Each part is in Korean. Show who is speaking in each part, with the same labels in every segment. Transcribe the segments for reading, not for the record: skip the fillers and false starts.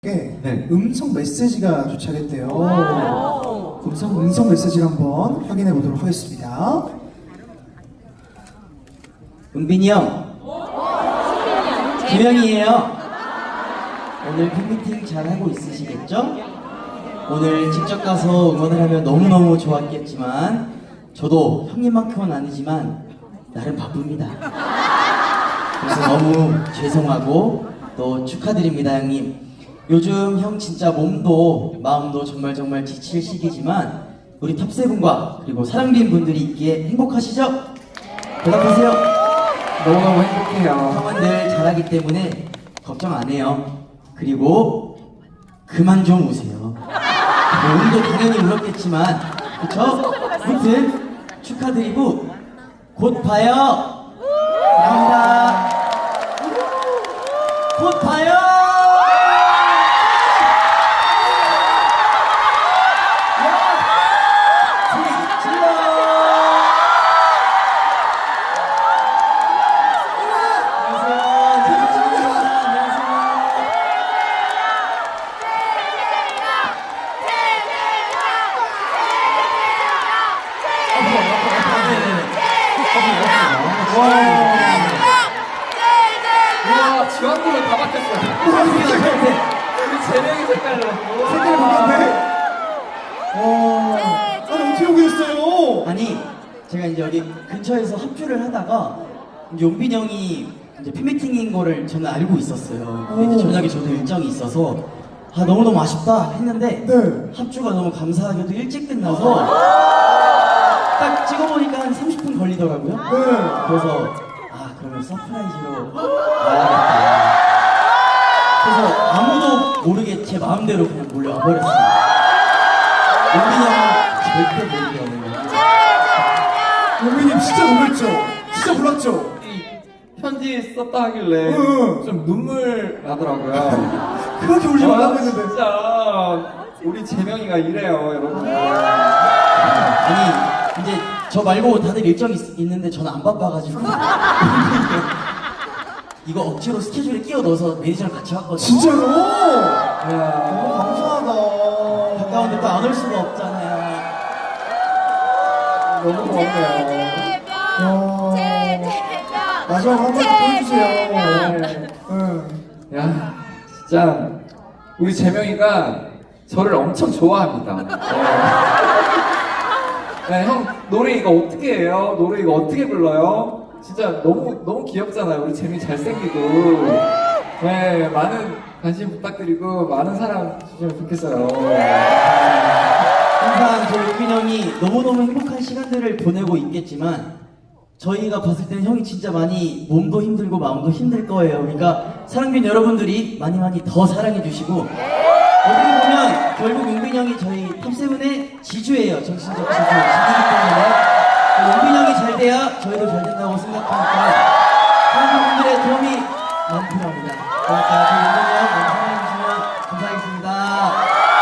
Speaker 1: 네.
Speaker 2: 음성 메시지가 도착했대요. 음성 메시지를 한번 확인해 보도록 하겠습니다.
Speaker 1: 은빈이 형, 김영이에요. 오늘 팬미팅 잘 하고 있으시겠죠? 오늘 직접 가서 응원을 하면 너무너무 좋았겠지만 저도 형님만큼은 아니지만 나름 바쁩니다. 그래서 너무 죄송하고 또 축하드립니다, 형님. 요즘 형 진짜 몸도 마음도 정말 지칠 시기지만 우리 탑세븐과 그리고 사랑빈 분들이 있기에 행복하시죠? 대답하세요.
Speaker 3: 너무너무 행복해요.
Speaker 1: 형은 늘 잘하기 때문에 걱정 안 해요. 그리고 그만 좀 우세요. 몸도 당연히 울었겠지만 그쵸? 아무튼 축하드리고 곧 봐요. 감사합니다. 곧 봐요.
Speaker 3: 와, 주황색으로 다 바뀌었어요. 우리 제명이 색깔로.
Speaker 2: 색깔이 바뀌었네. 아니 어떻게 오게 됐어요?
Speaker 1: 아니 제가 이제 여기 근처에서 합주를 하다가 이제 용빈 형이 이제 팬미팅인 거를 저는 알고 있었어요. 근데 이제 저녁에 저도 일정이 있어서 아 너무너무 아쉽다 했는데
Speaker 2: 네.
Speaker 1: 합주가 너무 감사하게도 일찍 끝나서 딱 찍어보니까 한 30분 걸리더라고요.
Speaker 2: 네.
Speaker 1: 그래서 아 그러면 서프라이즈로 와야겠다. 그래서 아무도 모르게 제 마음대로 그냥 몰려와 버렸어요. 용빈 형은 절대 모르게 오는 거예요.
Speaker 2: 용민님 진짜 놀랬죠? 진짜 몰랐죠?
Speaker 3: 이 편지 썼다 하길래
Speaker 2: 응.
Speaker 3: 좀 눈물 나더라고요.
Speaker 2: 그렇게 울지 말라고
Speaker 3: 와,
Speaker 2: 했는데.
Speaker 3: 진짜 우리 제명이가 이래요, 여러분.
Speaker 1: 아니 이제 저 말고 다들 일정이 있는데 저는 안 바빠가지고 이거 억지로 스케줄에 끼워 넣어서 매니저랑 같이 왔거든요.
Speaker 2: 진짜로?
Speaker 3: 야,
Speaker 2: 너무 감사하다.
Speaker 1: 가까운데 또 안 올 수가 없잖아요.
Speaker 3: 너무 고맙네요.
Speaker 2: 마지막 한 번 더 보여주세요. 네.
Speaker 3: 야, 진짜 우리 제명이가 저를 엄청 좋아합니다. 네, 형 노래 이거 어떻게 해요? 노래 이거 어떻게 불러요? 진짜 너무 귀엽잖아요. 우리 재미 잘생기고. 네, 많은 관심 부탁드리고 많은 사랑 주시면 좋겠어요.
Speaker 1: 항상 저희 용빈 형이 너무너무 행복한 시간들을 보내고 있겠지만 저희가 봤을 때는 형이 진짜 많이 몸도 힘들고 마음도 힘들 거예요. 그러니까 사랑빈 여러분들이 많이 더 사랑해 주시고 어떻게 보면 결국 용빈 형이 저희 탑세븐의 지주예요. 정신적 지주, 지주이기 때문에 용빈 형이 잘 돼야 저희도 잘 된다고 생각하니까 사랑분들의 도움이 많이 필요합니다. 그러니까 저희 용빈 형 많이 사랑해 주시면 감사하겠습니다.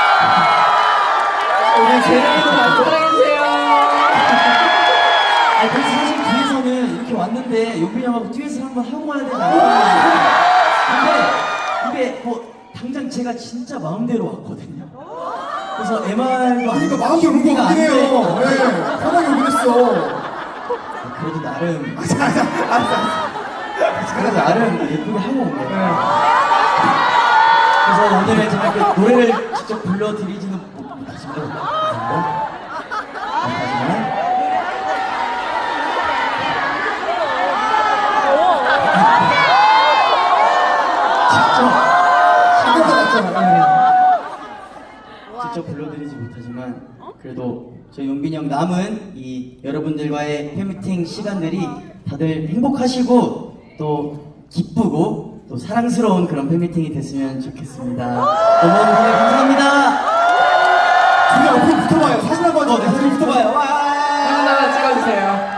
Speaker 3: 우리 제명이도 많이 사랑해주세요.
Speaker 1: 아니 그래서 사실 뒤에서는 이렇게 왔는데 용빈 형하고 듀엣을 한번 하고 와야 되지 않나. 근데 이게 뭐 당장 제가 진짜 마음대로 왔거든요. 그래서 MR도
Speaker 2: 그러니까 마음이 오는 거 같긴 해요. 네. 편하게 오긴 했어.
Speaker 1: 그래도 나름
Speaker 2: 알았어.
Speaker 1: 그래도 나름 예쁘게 하고 온 거예요. 그래서 오늘 제가 이렇게 노래를 직접 불러드리지는 못하지만 직접 불러드리지 못하지만 그래도 저희 용빈이 형 남은 이 여러분들과의 팬미팅 시간들이 다들 행복하시고 또 기쁘고 또 사랑스러운 그런 팬미팅이 됐으면 좋겠습니다. 너무너무 감사합니다.
Speaker 2: 둘이 앞으로 붙어봐요. 사진 한번
Speaker 1: 네, 사진 붙어봐요. 와.
Speaker 3: 하나 찍어주세요.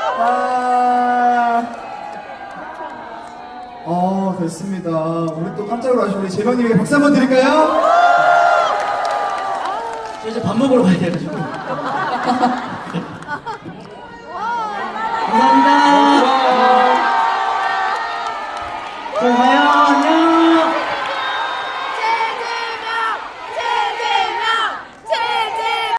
Speaker 2: 됐습니다. 우리 또 깜짝 놀라신 우리 재명님에게 박수 한번 드릴까요?
Speaker 1: 저 이제 밥 먹으러 가야 돼가지고. 감사합니다.